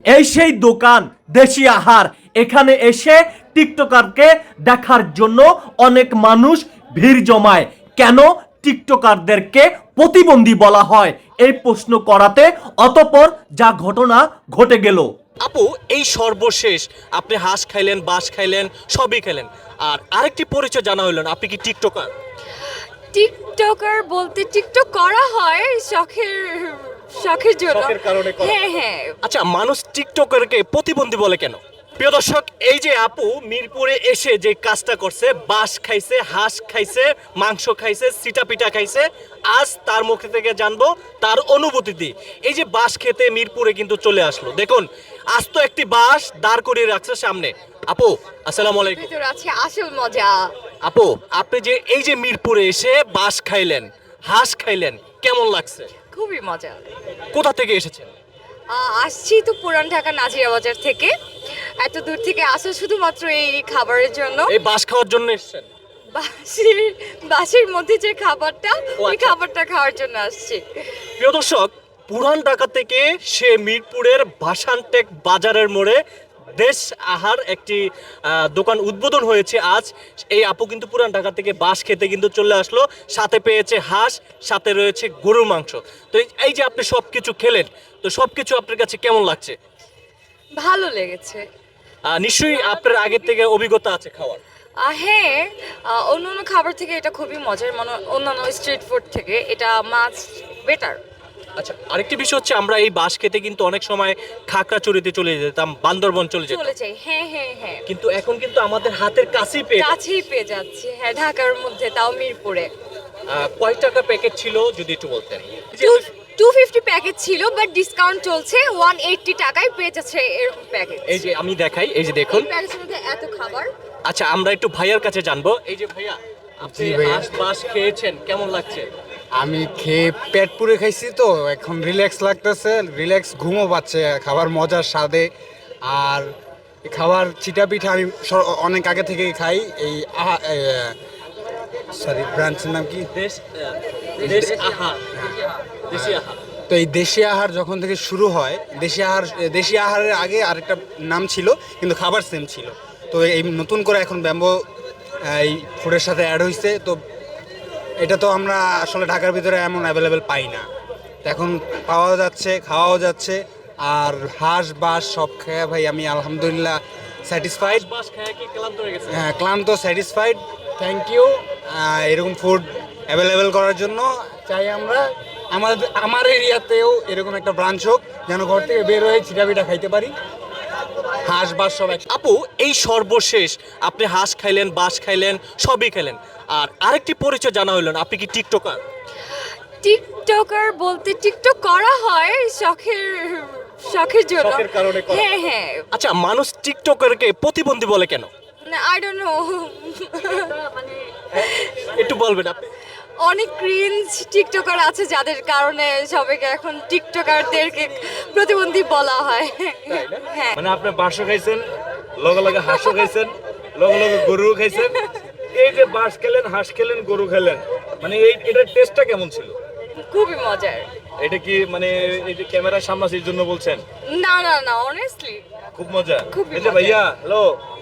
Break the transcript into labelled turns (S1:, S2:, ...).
S1: এই সেই দোকান দেশি আহার। এখানে এসে টিকটকারকে দেখার জন্য অনেক মানুষ ভিড় জমায়। কেন টিকটকারদেরকে প্রতিবন্ধী বলা হয় এই প্রশ্ন করাতে অতঃপর যা ঘটনা ঘটে গেল।
S2: আপু, এই সর্বশেষ আপনি হাঁস খাইলেন, বাঁশ খাইলেন, সবই খেলেন, আর আরেকটি পরিচয় জানা হইল না, আপনি কি টিকটকার?
S3: টিকটকার বলতে টিকটক করা হয় শখের জন্য।
S2: শখের কারণে করা।
S3: হ্যাঁ হ্যাঁ।
S2: আচ্ছা, মানুষ টিকটকারকে প্রতিবন্ধী বলে কেন? প্রিয় দর্শক, এই যে আপু মিরপুরে এসে যে কাজটা করছে, বাঁশ খাইছে, হাঁস খাইছে, মাংস খাইছে, সিটা পিঠা খাইছে, আজ তার মুখ থেকে জানবো তার অনুভূতি দিয়ে। এই যে বাঁশ খেতে মিরপুরে কিন্তু চলে আসলো, দেখুন আজ তো একটি বাঁশ দাঁড় করিয়ে রাখছে সামনে। আপু, আসসালামু আলাইকুম।
S3: ভিতর আছে আসল মজা।
S2: আপু, আপনি যে এই যে মিরপুরে এসে বাঁশ খাইলেন, হাঁস খাইলেন, কেমন লাগছে?
S3: খুবই মজা।
S2: কোথা থেকে এসেছেন?
S3: আসছি তো পুরান ঢাকা নাজিরা বাজার থেকে। এত দূর থেকে আসা শুধুমাত্র এই খাবারের জন্য।
S2: এই বাঁশ খাওয়ার জন্য এসেছেন?
S3: বাসের মধ্যে যে খাবারটা, ওই
S2: আচ্ছা।
S3: খাবারটা খাওয়ার জন্য আসছি।
S2: প্রিয় দর্শক, পুরান ঢাকা থেকে সে মিরপুরের ভাসানটেক বাজারের মোড়ে দেশ আহার একটি দোকান উদ্বোধন হয়েছে আজ। এই আপু কিন্তু পুরান ঢাকা থেকে বাঁশ খেতে কিন্তু চলে আসলো, সাথে পেয়েছে হাঁস, সাথে রয়েছে গরুর মাংস। তো এই যে আপনি সব কিছু খেলেন, তো সব কিছু আপনার কাছে কেমন লাগছে?
S3: ভালো লেগেছে।
S2: নিশ্চয়ই আপনার আগের থেকে অভিজ্ঞতা আছে খাওয়ার।
S3: হ্যাঁ, অন্য খাবার থেকে এটা খুবই মজার, মানে অন্যান্য স্ট্রিট ফুড থেকে এটা মাছ বেটার।
S2: আচ্ছা, আরেকটি বিষয় হচ্ছে আমরা এই বাঁশ খেতে কিন্তু অনেক সময় খাগড়াছড়িতে চলে যেতাম, বান্দরবন চলে যেতাম,
S3: চলে যাই। হ্যাঁ হ্যাঁ হ্যাঁ।
S2: কিন্তু এখন কিন্তু আমাদের হাতের কাছেই পেয়ে যাচ্ছি।
S3: কাছেই পেয়ে যাচ্ছি। হ্যাঁ, ঢাকার মধ্যে, তাও মিরপুরে।
S2: কয় টাকা প্যাকেট ছিল যদি একটু বলতেন?
S3: 250 প্যাকেট ছিল, বাট ডিসকাউন্ট চলছে, 180 টাকায় পেয়ে যাচ্ছে এরকম প্যাকেট।
S2: এই যে আমি দেখাই, এই যে দেখুন।
S3: এই প্যাকেটের মধ্যে এত খাবার।
S2: আচ্ছা, আমরা একটু ভাইয়ার কাছে জানবো। এই যে ভাইয়া, আপনি
S4: জি ভাইয়া।
S2: হাঁস বাঁশ খেয়েছেন, কেমন লাগছে?
S4: আমি খেয়ে পেট পুরে খাইছি, তো এখন রিল্যাক্স লাগতেছে, রিল্যাক্স ঘুমও পাচ্ছে খাবার মজার স্বাদে। আর এই খাবার চিটা পিঠা আমি অনেক আগে থেকেই খাই। এই সরি, ব্রাঞ্চের নাম কি?
S2: দেশ দেশ আহার, দেশি আহার।
S4: তো এই দেশি আহার যখন থেকে শুরু হয়, দেশি আহারের আগে আরেকটা নাম ছিল, কিন্তু খাবার সেম ছিল। তো এই নতুন করে এখন ব্যাম্বো এই ফুডের সাথে অ্যাড হয়েছে। তো এটা তো আমরা আসলে ঢাকার ভিতরে এমন অ্যাভেলেবেল পাই না, তো এখন পাওয়া যাচ্ছে, খাওয়াও যাচ্ছে। আর হাঁস বাঁশ সব খেয়ে ভাই আমি আলহামদুলিল্লাহ স্যাটিসফাইড।
S2: বাঁশ খেয়ে কি ক্লান্ত হয়ে গেছে?
S4: হ্যাঁ, ক্লান্ত, স্যাটিসফাইড। থ্যাংক ইউ এরকম ফুড অ্যাভেলেবেল করার জন্য। চাই আমরা আমার এরিয়াতেও এরকম একটা ব্রাঞ্চ হোক, যেন ঘর থেকে বের হয়ে চিটাপিটা খাইতে পারি। হাঁস বাঁশ সব এক।
S2: আপু, এই সর্বশেষ আপনি হাঁস খাইলেন, বাঁশ খাইলেন, সবই খেলেন, আর আরেকটি পরিচয় জানা হইল না, আপনি কি টিকটকার?
S3: টিকটকার বলতে টিকটক করা হয় শখের জন্য।
S2: শখের কারণে করা।
S3: হ্যাঁ হ্যাঁ।
S2: আচ্ছা, মানুষ টিকটকারকে প্রতিবন্ধী বলে কেন?
S3: I don't know.
S2: একটু বলবেন আপনি।
S3: অনেক ক্রিঞ্জ টিকটকার আছে যাদের কারণে সবাইকে এখন টিকটকারদেরকে প্রতিবন্ধী বলা হয়। হ্যাঁ।
S5: মানে আপনি বাঁশও খাইছেন, লগে লগে হাঁসও খাইছেন, লগে লগে গরুও খাইছেন। এই যে বাঁশ খেলেন, হাঁস খেলেন, গরু খেলেন, মানে এটার টেস্টটা কেমন ছিল?
S3: খুবই মজার।
S5: এটা কি মানে এই যে ক্যামেরার সামনে আসার জন্য বলছেন?
S3: না না না, অনেস্টলি
S5: খুব মজা।
S3: খুবই
S5: এই যে
S3: মজা।
S5: ভাইয়া, হ্যালো,